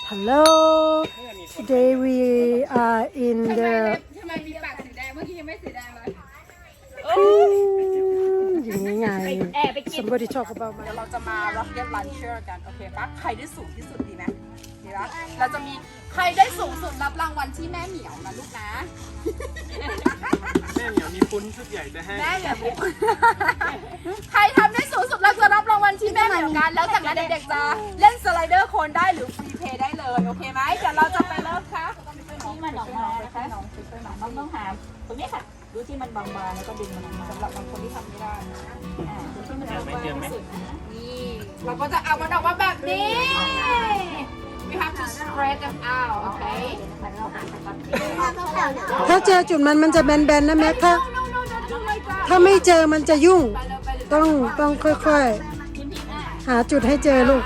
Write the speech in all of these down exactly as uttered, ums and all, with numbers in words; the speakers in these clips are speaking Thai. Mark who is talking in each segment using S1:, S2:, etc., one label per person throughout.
S1: Hello today we are in the
S2: ทำไมมีปากสีแดงเมื่อกี้ยังไม่สีแดงเลย
S1: อย่างนี้ไง somebody talk about
S2: เดี๋ยวเราจะมา rocket launcher กันโอเคปะใครได้สูงที่สุดดีไหมดีปะเราจะมีใครได้สูงสุดรับรางวัลที่แม่เหมียวนะลูกนะ
S3: แม่เหมียวมีปุ้นชุดใหญ่จะให้
S2: แม่เหมียวใครทำได้สูงสุดเราจะรับรางวัลที่แม่เหมียวกันแล้วจากนั้นเด็กๆจะเล่นสไลเดอร์โคนได้หรือฟรีเพย์ได้เลยโอเคไหมเดี๋ยวเราจะไปเริ่มค่ะ
S4: ที่มันออกมานะคะน้องน้องต้องหาตรงนี้ค่ะดูที่มันบางๆแล้วก็ดึงมันออกมาสำหรับบางคนที่ทำไม่ได้อ่าดูที่มันบางๆที่สุดนะ
S2: นี่เราก็จะเอามันออกมาแบบนี้ we have to spread them out โอเค
S1: ถ้าเจอจุดมันมันจะแบนๆนะแม็กถ้าถ้าไม่เจอมันจะยุ่งต้องต้องค่อยๆหาจุดให้เจอลูก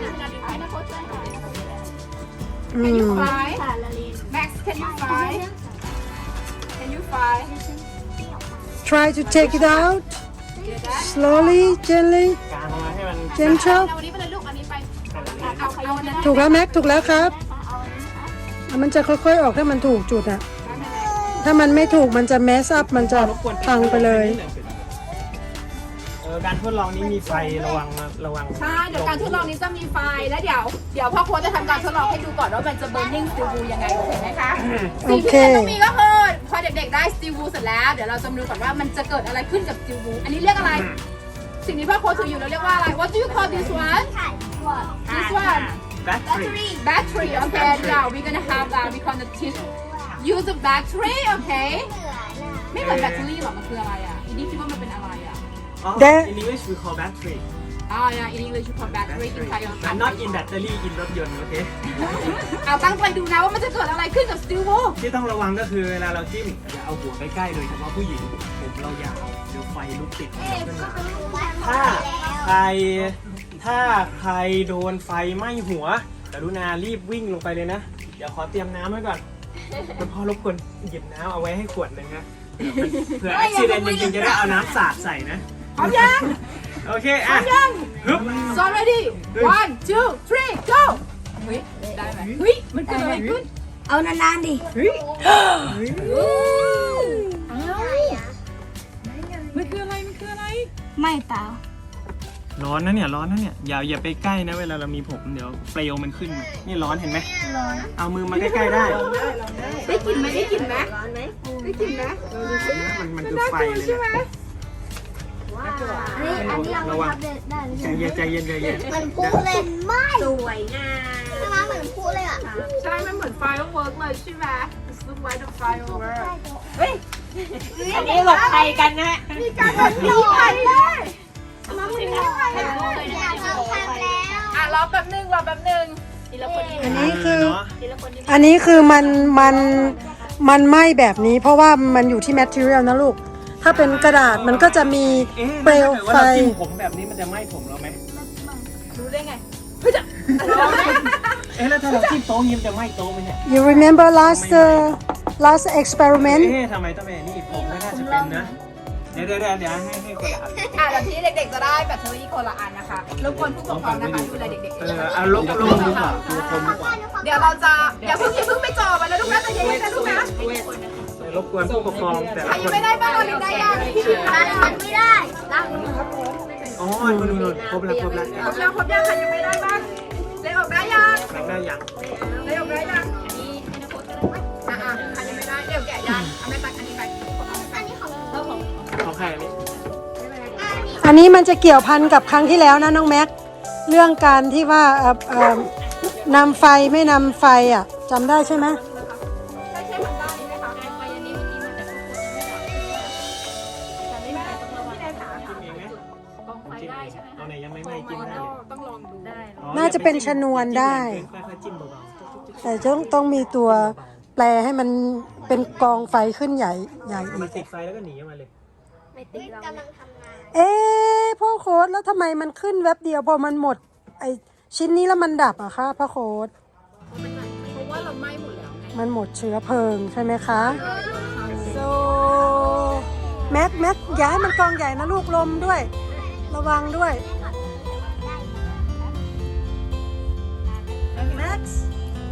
S1: อืม
S2: fly Max can you fly can you fly
S1: try to take it out slowly gently
S3: กางออกมาให้มัน
S1: gentle
S2: เอาอันนี้ไปเลยลูกอันนี้ไปเอาเอาอันนั้น
S1: ถูกแล้วแม็กถูกแล้วครับมันจะค่อยๆออกถ้ามันถูกจุดอะถ้ามันไม่ถูกมันจะแมสอัพมันจะพังไปเลย
S3: เออการทดลองนี้มีไฟระวังระวัง
S2: ใช่เดี๋ยวการทดลองนี้จะมีไฟแล้วเดี๋ยวเดี๋ยวพ่อโค้ชจะทำการทดลองให้ดูก่อนว่ามันจะ burning steel wool ยังไงโอเคไหมคะสิ่งที่ต้องมีก็คือพอเด็กๆได้ steel wool เสร็จแล้วเดี๋ยวเราจะมาดูก่อนว่ามันจะเกิดอะไรขึ้นกับ steel wool อันนี้เรียกอะไรสิ่งที่พ่อโค้ชถืออยู่เราเรียกว่าอะไร What do you call this one this one
S3: battery
S2: battery okay now we're gonna have that we gonna teach use a battery okay ไม่เหมือนแบตเตอรี่หรอมันคืออะไรอ่ะอีนี่คิดว่ามันเป็นอะไรอ่ะ
S3: in English we call battery
S2: อ่า yeah in English you call battery in Thai
S3: I'm not in battery in รถยนต์โอเค
S2: เอาตั้งใจดูนะว่ามันจะเกิดอะไรขึ้นกับ steel wool
S3: ที่ต้องระวังก็คือเวลาเราจิ้มอย่าเอาหัวใกล้ๆโดยเฉพาะผู้หญิงผมเรายาวเดี๋ยวไฟลุกติดขึ้นมาถ้าใครถ้าใครโดนไฟไหม้หัวกรุณารีบวิ่งลงไปเลยนะเดี๋ยวขอเตรียมน้ำไว้ก่อนคุณพ่อรบกวนหยิบน้ำเอาไว้ให้ขวดหนึ่งนะเผื่ออุบิเหตุจริงๆจะได้เอาน้ำสาดใส่นะ
S2: พร้อมยัง
S3: โอเคอ่ะฮึบ
S2: so ready one two three go เฮ้ยได้ไหมเฮ้ยมันเกิดอะไรขึ้น
S4: เอานานๆดิ
S2: เฮ้ยมันคืออะไรมันคืออะไร
S4: ไม่เปล่า
S3: ร้อนนะเนี่ยร้อนนะเนี่ยอย่าอย่าไปใกล้นะเวลาเรามีผมเดี๋ยวเปลวมันขึ้นนี่ร้อนเห็นไหมร้อนเอามือมาใกล้ๆได้
S2: ได้กลิ่นไหมได้กลิ่นไหมร้อนไหมได้กลิ่นไหม
S3: มันมันคือไฟเลยนะระวังใจเย็นใจเย็นใจเย็น
S4: มันพูดเลยไม่สวยงามใช่ไหมเหมือนพูดเลยอ่ะ
S2: ใช่มันเหมือน firework เลยใช่ไหม It's look like a firework เฮ้ย
S4: อันนี้หลบใครกันนะ
S2: มีการหลบหนีใครเลย
S4: มาไม่ได้อยากลองทำแล้ว
S2: อ่ะรอแป๊บนึงรอแป๊บนึง
S1: อันนี้คืออันนี้คือมันมันมันไหม้แบบนี้เพราะว่ามันอยู่ที่ material นะลูกถ้าเป็นกระดาษมันก็จะมีเปลวไฟ
S3: ผมแบบนี้มันจะไหม้ผมเราไหม
S2: รู้ได้ไงเฮ้ยจะ
S3: เอ๊ะแล้วถ้าเราจิ้มโต๊ะยิ้มจะไหม้โต๊ะไหมเนี่ย
S1: You remember last uh, last experiment
S3: เอ๊ะทำไมต้องเป็นนี่ผมไม่น่าจะเป็นนะเดี๋ยวเดี๋ยวเดี๋ยวให้ให้คนละอัน
S2: อ่ะเดี๋ยวที่เด็กๆจะได้แบตเตอรี่คนละอันนะคะรบกวนผู้ปกครองนะคะดูแลเด็กๆ
S3: เออเอาลบลงดีกว่าดูคนดีกว่า
S2: เดี๋ยวเราจะอย่าเพิ่งอย่าเพิ่งไปจ่อมันแล้วลูกนะใจเย็นๆนะลูกนะ
S3: รบกวนผู้ปกครองแต่
S2: ใครยังไม่ได้บ้างเราได้ยัง
S4: ร้านมันไม่ได้ร้าน
S3: อ๋อนู่นนู่นครบแล้วครบแล้ว
S2: ครบแล้วครบยังใครยังไม่ได้บ้างเลยออกได้ยัง
S3: ได้ยัง
S2: เลยออกได้ยังอันนี้ให้นักโทษก็ได้อ่ะอ่ะใครยังไม่ได้เดี๋ยวแกะยังเอาไม่ตัดอันนี้ไป
S4: อันนี้ของ
S3: เราของของใครอันนี้
S1: อันนี้มันจะเกี่ยวพันกับครั้งที่แล้วนะน้องแม็กเรื่องการที่ว่าเอ่อเอ่อนำไฟไม่นำไฟอ่ะจำได้ใช่ไหมน่าจะเป็นชนวนได้แต่ต้องต้องมีตัวแปลให้มันเป็นกองไฟขึ้นใหญ่ใหญ่อีก
S3: ติดไฟแล้วก็หนีมาเลย
S4: ไม่ติดกำลังทำงาน
S1: เอ๊ะพ่อโค้ดแล้วทำไมมันขึ้นแวบเดียวพอมันหมดไอชิ้นนี้แล้วมันดับอะคะพ่อโค้ด
S2: เพราะว่าเราไหม้หมดแล้ว
S1: มันหมดเชื้อเพลิงใช่ไหมคะโซแม็กแม็กย้ายมันกองใหญ่นะลูกลมด้วยระวังด้วย Max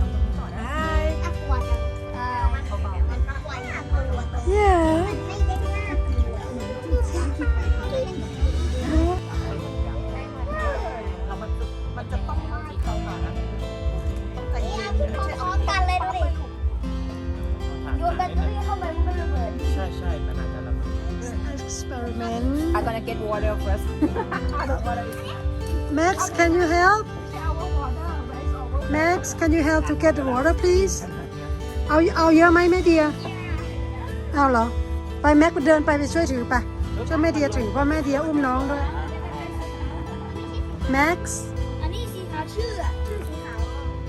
S5: ออกันเลยดูดิโยนแบตเตอรี่เข้าไปมันก็ระเบิด
S3: ใช่ใช่มันอาจจะระเบิด
S1: experiment
S2: I'm gonna get water first
S1: Max can you help Max can you help to get the water please เอาเอาเยอะไหมแม่เดียเอาเหรอไปแม็กเดินไปไปช่วยถือไปช่วยแม่เดียถือเพราะแม่เดียอุ้มน้องด้วย Max
S5: อันนี้สีขาวชื่ออะชื่อสีขาว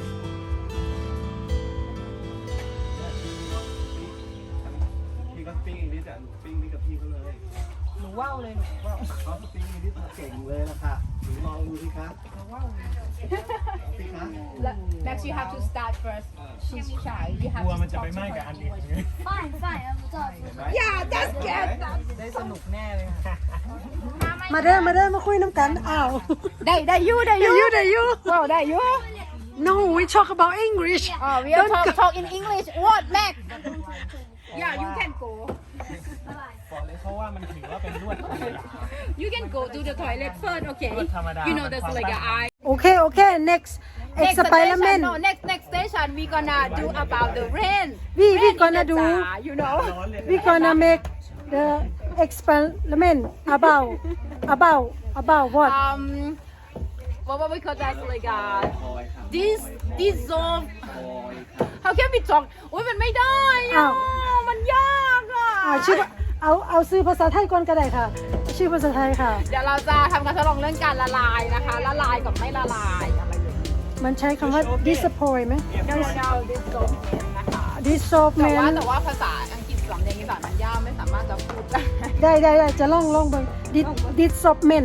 S6: พี่ก็ปิ้งนิดอ่ะปิ้งนี่กับพี่เขาเลย
S4: หนูว่าวเลยหนูว่าว
S6: เขาก็ปิ้งนิดเก่งเลยล่ะค่ะหนูลองดูสิคะพี่คะ
S2: Max you have to start first she's shy you
S3: ก
S2: have
S3: ลัว
S2: to
S3: มันจะ
S2: stop
S3: ไปไหม้กับอันอื่น
S5: fine fine I'm sorry
S2: yeah that's good
S4: ได้สนุกแน่เลยค่ะ
S1: มาเด้อมาเด้อมาคุยน้ำกันอ้าว
S2: ได้ได้อยูได้อ
S1: ได้
S2: ยู
S1: ยูได้ยู
S2: ว้าวได้อยู
S1: No we talk about English
S2: oh we are talk talk in English what Max yeah you can go
S3: บอกเลยเพราะว่ามันถือว่าเป็นลวดธรรมดา
S2: you can go to the toilet first okay
S3: ลวดธรรมดา
S2: you know there's like a eye
S1: โอเคโอเค next
S2: next station
S1: experiment
S2: no next next station we gonna do about the rain
S1: we we
S2: Rain
S1: gonna
S2: in the
S1: do
S2: jar, you know
S1: we gonna make the experiment about about about what
S2: um what what we call that like uh this dissolve how can we talk โอ้ยมันไม่ได้
S1: อ้า
S2: อ่ะ
S1: ว
S2: มันยากอ่ะ
S1: อ่าชื่อเอาเอาซื้อภาษาไทยก่อนก็ได้ค่ะ ชื่อภาษาไทยค่ะ
S2: เดี๋ยวเราจะทำการทดลองเรื่องการละลายนะคะ ละลายกับไม่ละลายอะไรอย่างนี้
S1: มันใช้คำว่า disappoint ไหม
S2: no no no dissolve นะคะ แต่ว่า
S1: dissolvement
S2: แต่ว่าภาษาอังกฤษสำเนียงอีสานมันยากไม่สามารถจะพูดได้
S1: ได้ได้ได้จะล่องล่องเบิ่ง Dis- dissolvement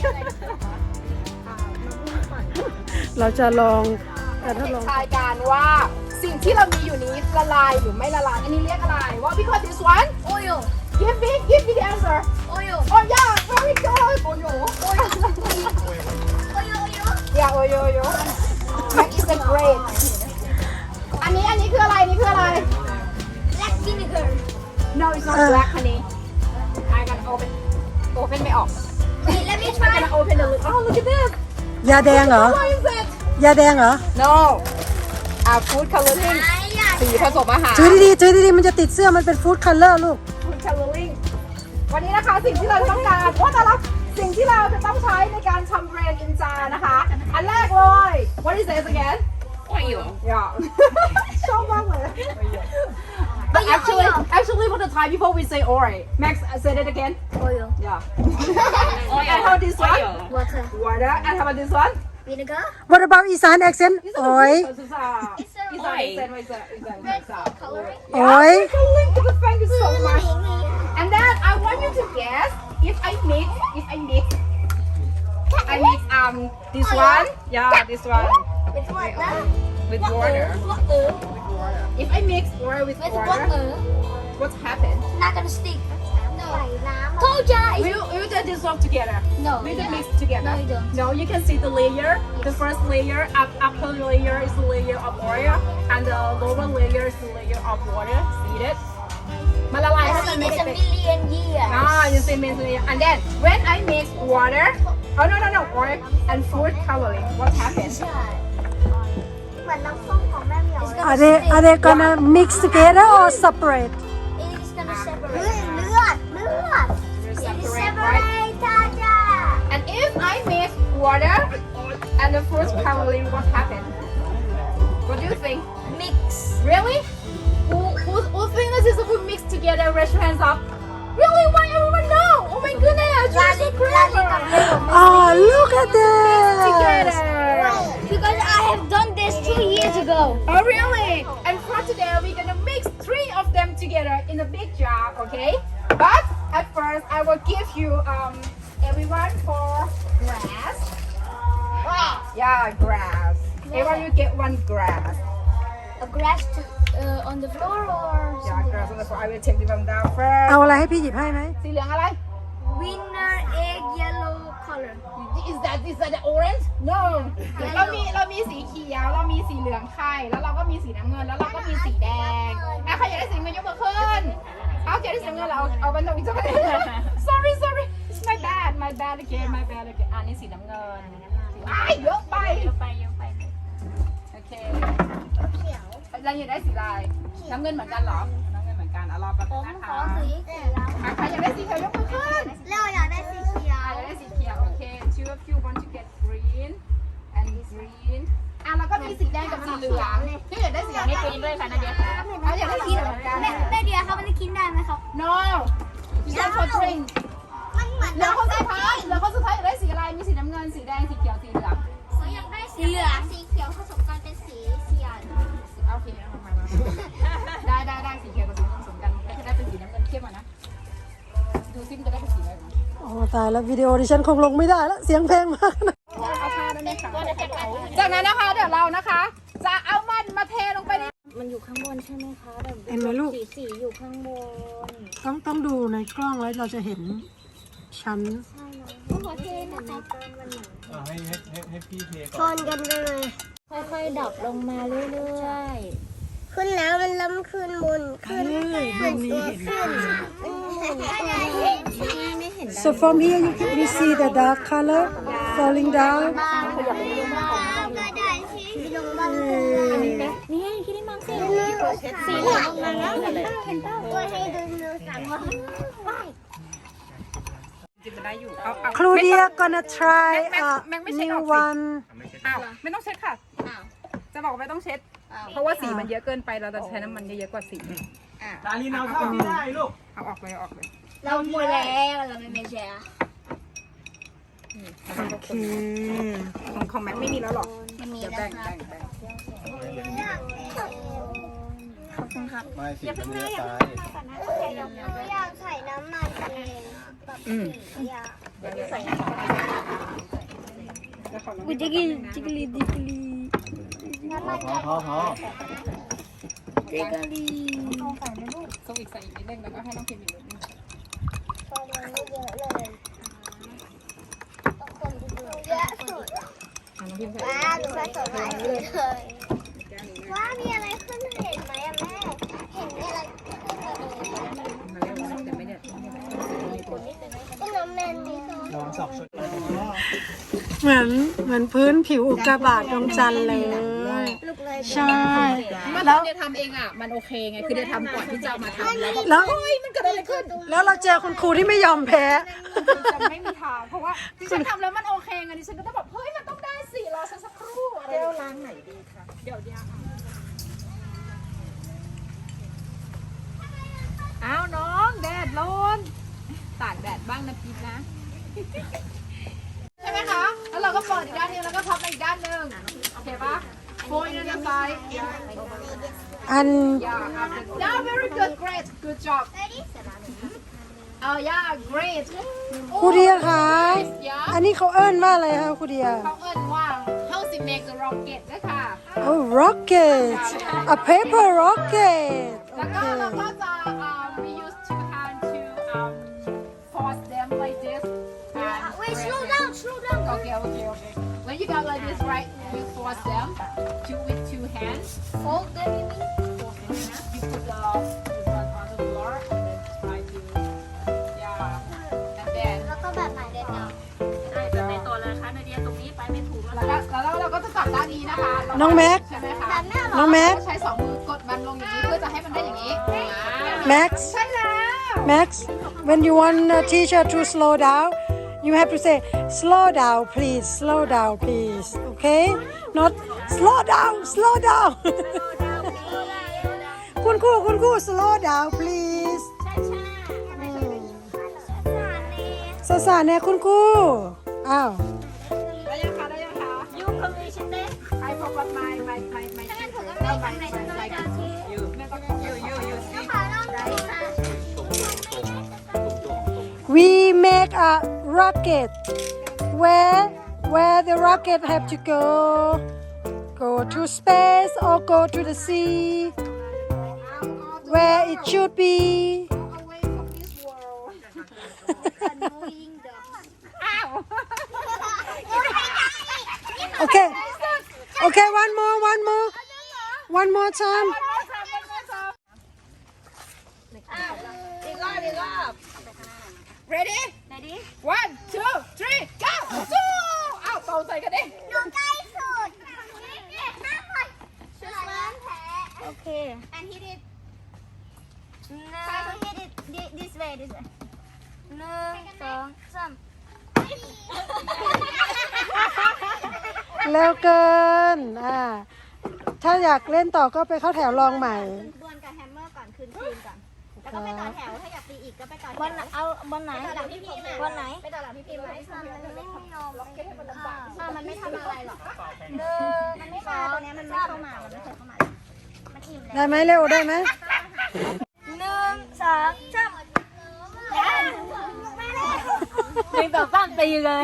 S1: เราจะลองการทดลอง
S2: ทายการว่าสิ่งที่เรามีอยู่นี้ละลายหรือไม่ละลาย อันนี้เรียกอะไร What we call this one
S5: oil
S2: Give me give me the answer
S5: oil
S2: Oh yeah very good โอ้โห
S5: oil oil
S2: Yeah oyo oyo That is a great อันนี้อันนี้คืออะไรอันนี้คืออะไร
S5: black vinegar
S2: No it's not black honey I gotta open open ไม่ออก
S5: wait let me
S2: I
S5: try
S2: gotta open the lid Oh look at this
S1: ยาแดงเหรอ
S2: What is it
S1: ยาแดงเหรอ
S2: No อ่า food coloring
S5: ไอ้ยา
S2: สีผสมอาหาร
S1: ถือดีๆถือดีๆมันจะติดเสื้อมันเป็น food color ลูก
S2: food coloring วันนี้นะคะสิ่งที่เราจะต้องการว่าแต่ละสิ่งที่เราจะต้องใช้ในการทำเบรนอินจานะคะ อันแรกเลย What is this again Oil Yeah ชอบมากเลย But actually actually for the time before we say oil Max say it again
S5: oil
S2: Yeah And how this one
S5: water
S2: Water And how about this one
S5: vinegar
S1: What about อีสาน accent โอ้ย
S2: This is a
S5: It's a
S2: Is that is that is that is that
S5: red
S2: is that
S5: food coloring
S1: โอ้ย
S2: Coloring Thank you so much And then I want you to guess if I mix, if I mix, I mix um this one, yeah, this one
S5: with water
S2: with water.
S5: water
S2: If I mix water with
S5: with
S2: water,
S5: water
S2: what's happened?
S5: not gonna stick ใส่น้ำ told ya
S2: Will will they dissolve together?
S5: no
S2: Will they mix together?
S5: No, you don't.
S2: No, you can see the layer. The first layer, up upper layer is the layer of oil, and the lower layer is the layer of water. See it? มันละลายให้มันไม่
S5: it's
S2: ได้
S5: a
S2: เป็น
S5: million years
S2: Ah, you see, means and then when I mix water, oh no no no, oil and food coloring, what happens?
S5: เหมือนน้ำส้มของแม่เหมียว
S1: Are they are they gonna mix together or separate
S5: It's gonna separate เลือดเลือด It is
S2: Separate, right?
S5: separate จ้าจ้า
S2: And if I mix water and the food coloring, what happens? What do you think?
S5: mix
S2: Really? Who who who think this is a food mixed together? Raise your hands up. Really? Why everyone know? Oh my goodness, you're so clever.
S1: Oh look at
S2: Together.
S1: this
S5: because I have done this two years ago
S2: Oh really? And for today, we're gonna mix three of them together in a big jar, okay? But at first, I will give you um everyone for grass. Yeah, grass. Everyone will get one grass.
S5: a grass to, uh, on the floor or
S2: Yeah,
S5: something
S2: grass on the floor. I will take them down first.
S1: เอาอะไรให้พี่หยิบให้ไหม
S2: สีเหลืองอะไร
S5: winner egg yellow color
S2: Is that is that the orange? No. เรามีเรามีสีเขียว เรามีสีเหลืองไข่แล้วเราก็มีสีน้ำเงิน แล้วเราก็มีสีแดงอ่ะใครอยากได้สีน้ำเงินยกมือขึ้น เอาอยากได้สีน้ำเงินเราเอาเอาบันทึกอีกสัก Sorry sorry it's my bad my bad again my bad again อ่ะนี่สีน้ำเงินอ้ายเยอะไป
S4: เยอะไปเยอะไป
S2: โอเคเราอยากได้สีลายน้ำเงินเหมือนกันเหรอน้ำเงินเหมือนกันเอารอแป๊บ
S5: ผ
S2: นึง
S5: ม
S2: นะ
S5: ขอ
S2: คะ
S5: สีเขียว
S2: อ่ะใครอยากได้สีเขียวยกมือขึ้น
S5: แล้วอยากได้สีเขียว
S2: อ่ะอยากได้สีเขียวโอเค two of you want to get green and green อ่ะแล้วก็มีสีแดงกับสีเหลืองที่อยากได้สี
S4: ให้กรีนด้วยค่ะนาเดียค่ะ
S2: เราอยากได้สีเหลืองเหมือนกัน
S5: แม่แม่เดียครับมันจะกินได้ไหมครับ
S2: no you don't for drink
S5: มันเหมือน
S2: เหลือคนสุดท้ายเหลือคนสุดท้ายอยากได้สีอะไรมีสีน้ำเงินสีแดงสีเขียวสีเหลือง
S5: เขาอยากได้สีเหลืองสีเขียวผสมกันเป็นสีเขียว
S2: โอเคเอามามาได้ได้ได้สีเขียวกับสีเหลืองผสมกันก็จะได้เป็นสีน้ำเงินเข้มอ่ะนะดูซิมนจะได้เป็นสีอะไรบ้าง
S1: อ๋อตายแล้ววิดีโอดิฉันคงลงไม่ได้แล้วเสียงเพลงมากนะ
S2: เอาผ้าได้ไหมคะจากนั้นนะคะเดี๋ยวเรานะคะ จะเอามันมาเทลงไปใน
S5: มันอยู่ข้างบนใช่ไหมคะแบบ
S1: เห็นไหมลูก
S5: สีสีอยู่ข้างบน
S1: ต้องต้องดูในกล้องแล้วเราจะเห็นชั้น
S5: ใช่นะก็ขอเทนะคะ
S3: อ่ะให้ให้ให้ให้พี่เท
S5: ช
S3: ก่อน
S5: นกันไปเลยค่อยๆดับลงมาเรื่อยๆขึ้นแล้วมันล้ำขึ้นบนขึ้น
S1: เอ้ยมุมนี้เห็น
S5: ขึ้นไม่เห็น
S1: so from here you can we see the dark color falling down
S5: บ้างขยับไปดูบ้างก็ได้ที่ลงบ้างนี่ไงคิดได้มั้งสิสีเหลืองมาแล้วเห็นป่ะเห็นป่ะตัวให้ดูดูสั่งว่า
S2: จิบจะได้อยู่เอาเอา
S1: Claudia gonna try
S2: แม็ก
S1: a
S2: แม็กไม่ใช่อ
S1: new
S2: อกสิ
S1: one
S2: อ้าวไม่ต้องเช็ดค่ะจะบอกว่าไม่ต้องเช็ด เพราะว่าสีมันเยอะเกินไปเราจะใช้น้ำมันเยอะๆกว่าสีอ่ะ
S3: ดารินเอาเท่าที่ได้ลูก
S2: เอาออกเลยเอาออกเลย
S5: เราหมดแล้วเราไม่ไม่แชร์
S1: โอเค
S2: ของของแม็กไม่มีแล้วหรอก
S5: ไม่มี
S2: เดี๋ยว
S5: แล้
S2: แบ่
S5: ว
S2: ง
S5: ครับ
S2: แบ่งแบ่ง
S5: ขอบคุณครับ
S6: ไม่สีมันเลี้ยตาย
S5: อยากใส่น้ำมันเองแบบสีอ่ะ
S2: กูจะกินจิกลีดิกลี
S6: พอพอพอพอ
S2: จิกลีส่งอีกใส่อีกนิดนึงแล้วก็ให้น้องพิมพ์อีกนิดนึง
S5: พอเรียนไม่เยอะเลยคนดูเยอะสุด
S2: น้องพิมพ์ใส่
S5: ว้าหนูผสมหลายเลยว้ามีอะไรขึ้นเห็นไหมอะแม่เห็นมีอะไรขึ้นมาเลย
S2: มาแล้วแต่ไม่ได้
S5: ก็น้ำแมนดีโซ่
S3: ลองสอบชุด
S1: เหมือนเหมือนพื้นผิวอุกกาบาตดวงจันทร์เลย
S5: ลูกเลย
S1: ใช่
S2: เมื่อตอนเดียทำเองอ่ะมันโอเคไงคือเดียทำก่อนที่จะเอามาทำแล้วแบบ
S1: แล้ว
S2: เฮ้ยมันเกิดอะไรขึ้น
S1: แล้วเราเจอคุณครูที่ไม่ยอมแพ้
S2: จะไม่มีทางเพราะว่าดิฉันทำแล้วมันโอเคไงดิฉันก็ต้องแบบเฮ้ยมันต้องได้สิรอฉันสักครู่อะไรแก้วล้างไหนดีคะเดี๋ยวเดี๋ยวอ้าวน้องแดดร้อนตากแดดบ้างนะพีทนะใช่ไหมคะแล้วเราก็เปิดอีกด้านนึงแล้วก็พับไปอีกด้านนึงโอเคปะโฟยนั่นนะไซ
S1: อัน
S2: yeah yeah very good great good job oh yeah great
S1: ครูเดียคะ
S2: yeah
S1: อันนี้เขาเอิ้นว่าอะไรคะครูเดีย
S2: เขาเอิ้นว่า how to make the rocket ด้วยค่ะ
S1: oh rocket a paper rocket
S2: แล้วก็เราก็จะ um, we use two hands to um, force them like this and
S5: Wait,
S2: press
S5: slow
S2: them.
S5: down, slow down.
S2: okay okay okay when you go like this right you force them to with two hands
S5: Fold them, you mean?
S2: force themนะ you put the this one on the floor and then try to yeah and then
S5: แล้วก็แบบใหม่เลยเนาะ
S4: ใช่แบบในตัวเลยค่ะนาเดียตรงนี้ไปไม่ถูกแล้ว
S2: แล้วก็แล้วเราก็จะจับด้านนี้นะคะ
S1: น้องแม็ก
S2: ใช่ไหมคะ
S5: แบบแม่เหรอ
S1: น้องแม็ก
S2: ใช้สองมือกดมันลงอย่างนี้เพื่อจะให้มันได้อย่างนี้อ่า
S1: Max
S2: ใช่แล้ว
S1: Max when you want a teacher to slow down you have to say slow down please slow down please okay not slow down slow down คุณครูคุณครู slow down please สาสาเนี่ยคุณครูอ้าว
S2: ได้ยังคะได้ยังคะ
S5: ยูคอมมิชชั่นเต้
S2: I forgot my my my my
S5: ถ้างั้นผมก็
S2: shoes
S5: ไม่
S2: my
S5: ทำใน
S2: my
S5: ชั้น
S2: like
S5: เลยจ้ะ
S2: you แม่ก็ของ you you you see
S5: ขอลองดูค่ะ
S1: we make a rocket where where the rocket have to go go to space or go to the sea where it should be
S2: away from this world
S5: annoying dog
S2: อ้าว
S1: okay okay one more one more one more time
S2: อีกรอบอีกรอบ ready ready one two three go สู้อ้าวตรงใจกันดิ
S5: หนูใกล้สุดห้าคนชุดร้านแพ้โอเค and hit it try to hit it this way this way หนึ่งสองสาม
S1: เร็วเกินอ่าถ้าอยากเล่นต่อก็ไปเข้าแถวลองใหม่
S5: ดวลกับแฮมเมอร์ก่อนคืนคืนก่อนแล้วก็ไปต่อแถวถ้าอยากตีอีกก็ไปต่อแถว
S7: บอลเอาบอลไหน
S5: ไปต่อหลังพี่พิมพ์
S7: บอลไหน
S5: ไปต่อหลังพี่พิมพ์ไหม
S7: มันไม่ยอมล็อกเก็ตให้มันลำบาก
S5: อ่ามันไม่ทำอะไรหรอก
S7: เดิน
S5: มันไม่มาตัวเนี้ยมันไม่เข้ามา มันไม่เคยเข้ามา มันอิ่มแล้ว
S1: ได้ไหมเร็วได้ไหม
S7: หนึ่งสองสาม
S5: หนึ่งต่อสามตีเลย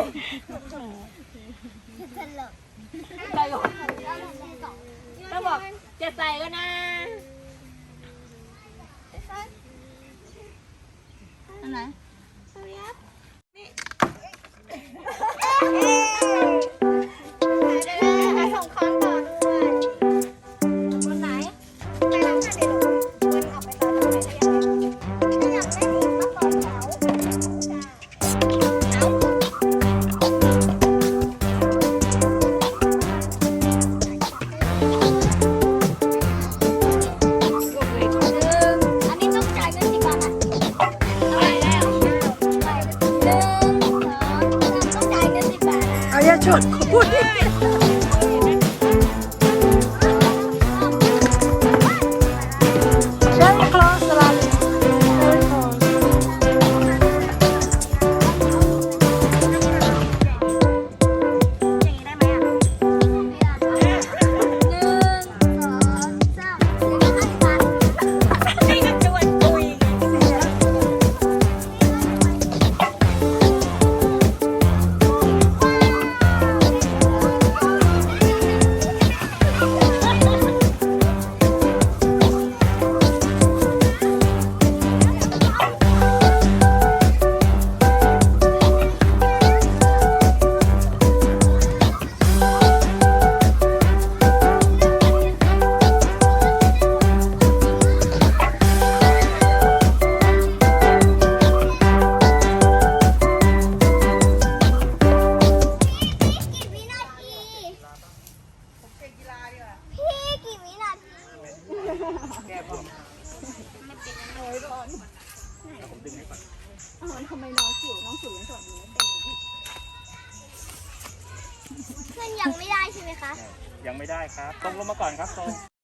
S7: ต้องบอกจะใส่ก็นะอันไหน
S5: ส่งคอนต่อด้วยคนไหนไปหลังค่ะเดี๋ยววนออกไปต่อแถวไหนถ้าอยากเล่นอีกก็ต่อแถว
S7: อันนี้ต้องจ่ายเงินกี่บาทนะอะไรแล้วหนึ่งสองสามต้องจ่ายเงินสิบบาทนะ
S1: เอาอย่าชวนคุย Very close, Lali. Very close.
S7: อย่างนี้ได้ไหมอ่ะ
S5: หนึ่งสองสามสี่ห้าบาท
S7: นี่ก็ชวนคุย
S5: กี่วินาทีพี่กี่วินาทีขึ้นยังไม่ได้ใช่ไหมคะ
S8: ยังไม่ได้ครับตรงลงมาก่อนครับตรง